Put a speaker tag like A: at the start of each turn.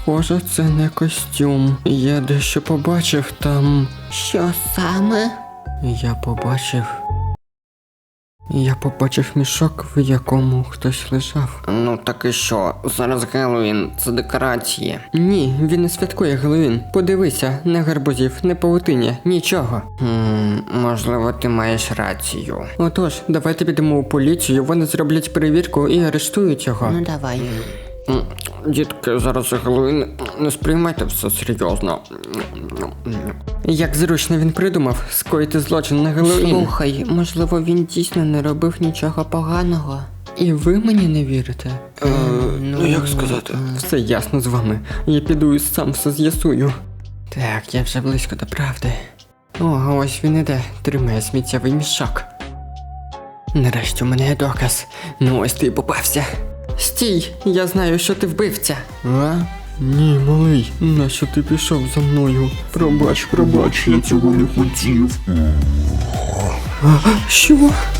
A: Схоже, це не костюм. Я дещо побачив там.
B: Що саме?
A: Я побачив мішок, в якому хтось лежав.
B: Ну так і що? Зараз Геловін, це декорації.
A: Ні, він не святкує Геловін. Подивися, не гарбузів, не павутиння, нічого.
B: Можливо, ти маєш рацію.
A: Отож, давайте підемо у поліцію, вони зроблять перевірку і арештують його.
B: Ну давай.
A: Дітки, зараз Геловін, не сприймайте все серйозно. Як зручно він придумав скоїти злочин на Геловін.
B: Слухай, можливо, він дійсно не робив нічого поганого.
A: І ви мені не вірите?
B: як сказати?
A: Все ясно з вами. Я піду і сам все з'ясую. Так, я вже близько до правди. О, ось він іде, тримає сміттєвий мішок. Нарешті у мене є доказ. Ну ось ти й попався. Стій, я знаю, що ти вбивця. А? Ні, малий, нащо ти пішов за мною?
C: Пробач, я цього не хотів.
A: Що?